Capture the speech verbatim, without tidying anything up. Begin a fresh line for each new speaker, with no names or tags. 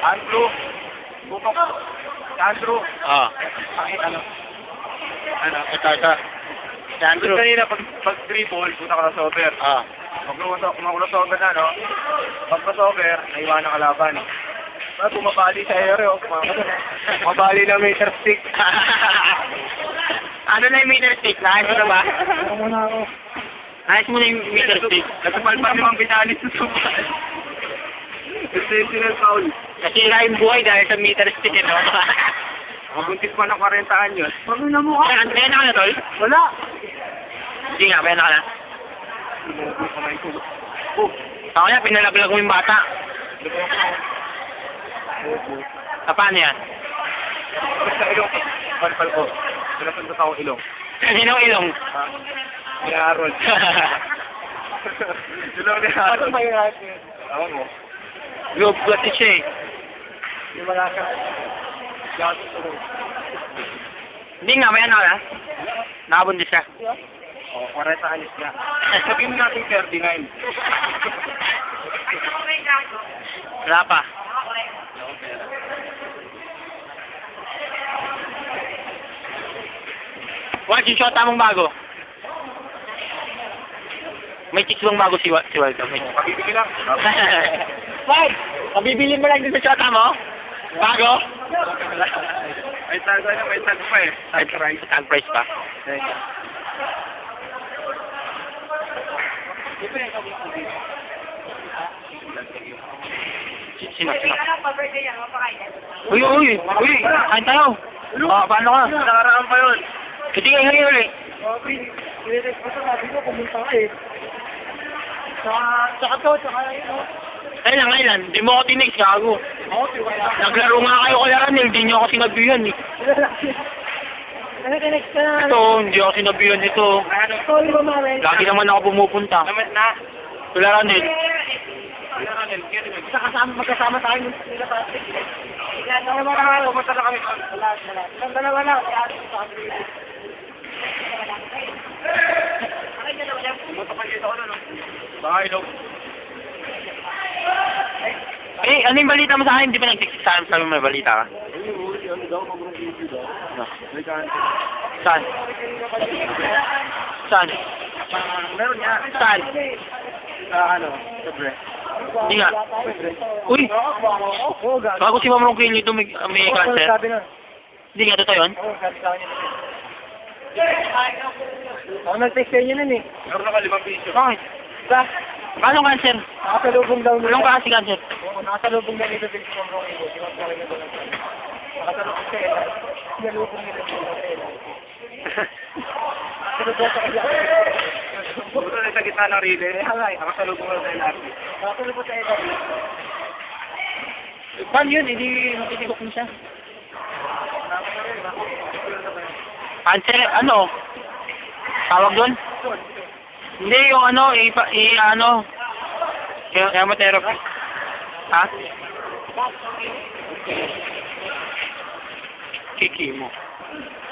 Andrew. Bukok. Andrew.
Ah.
Ay, ano? Ano?
Ito, ito. Si Andrew.
Kanina, pag, pag three ball, puta crossover.
Ah.
Pag crossover na, no? Pag crossover, naiwan ang kalaban. Pag bumabali sa ere, oh. Bumabali ng meter stick.
Ano na yung meter stick? Naayos mo na ba?
Ano muna ako?
Naayos mo na yung meter stick.
Nagpapalpan yung mga binalis sa suman. Exceptional foul.
Nasira yung buhay dahil sa meter stick, eh, no?
Mabuntis pa ng forty anyos.
Pag na mo ka. Kaya kaya na ka na, tol?
Wala.
Hindi nga, kaya na ka na.
Oh.
Ako na, pinalaglag mo yung bata. Ah, paano yan?
Sa ilong. Palpal ko. Pinasundot ako ilong.
Kanino ilong?
Ha? Ni Harold. Ilong ni Harold. Ano ba yung natin? Awan mo.
Loob kasi siya eh.
Yung wala ka. Yan.
Hindi nga, may ano ka na? Nakabundis ka.
Oh, forty anyos na. Sabihin mo natin thirty-nine.
Wala pa. Watch yung shot mong bago. May chicks bang bago si, Wa- si Waldo? May chicks.
Pabibili lang.
Wag! Pabibili mo lang din sa shot mo? Bago?
May tag na, may tag pa eh.
Ay, price. Tag price pa. Si- Sino? Sino? Uy, uy! Uy! Kain tayo! Ah, paano ka?
Nakaraan pa yun.
Kasi ngayon ngayon ulit.
Pinitek ko sa sabi ko, pumunta ka eh. Saka, saka to, saka yun oh.
Kailan, kailan? Di mo ako tinex, gago.
Ako, tiwala.
Naglaro nga kayo kay Aranel, hindi niyo ako sinabihan eh.
Ano ka next ka na?
Ito, hindi ako sinabihan ito.
Sorry ba, Maren?
Lagi naman ako pumupunta.
Naman na.
Kay Aranel.
Sa kasama, magkasama tayo nila plastic. Yan, dalawa na nga, pumunta na kami. Wala, wala. Ilang dalawa na. Pumunta pa dito ako na, no? Baka ilaw.
Eh, ano yung balita mo sa akin? Hindi ba nag-text sa akin? Sabi mo may balita ka? No. Saan? Saan?
Meron niya.
Saan?
Sa ano? Sa breast.
Hindi nga. Uy!
Oo, gago.
Bago si Ma'am Ronquillo ito may, may cancer.
Sabi na.
Hindi nga, totoo yun?
Oo, sabi sa kanya. Ako nag-text sa inyo nun eh. Meron ako limang piso.
Bakit?
Sa?
Anong cancer?
Nakasalubong daw nila.
Anong klase cancer?
Oo, nakasalubong na nito sa Ma'am Ronquillo. Sinasakay na doon. Nakasalubong sa ila. Sinalubong nila sa ila. Sinalubong sa ila. Buto na sa gitna ng relay. Halay, nakasalubong na sa ila. Nakasalubong sa ila.
Paano yun? Hindi matitigok mo siya. Cancer, ano? Tawag doon? Hindi, yung ano, i, i ano, yung chemotherapy. Ha? Kiki mo.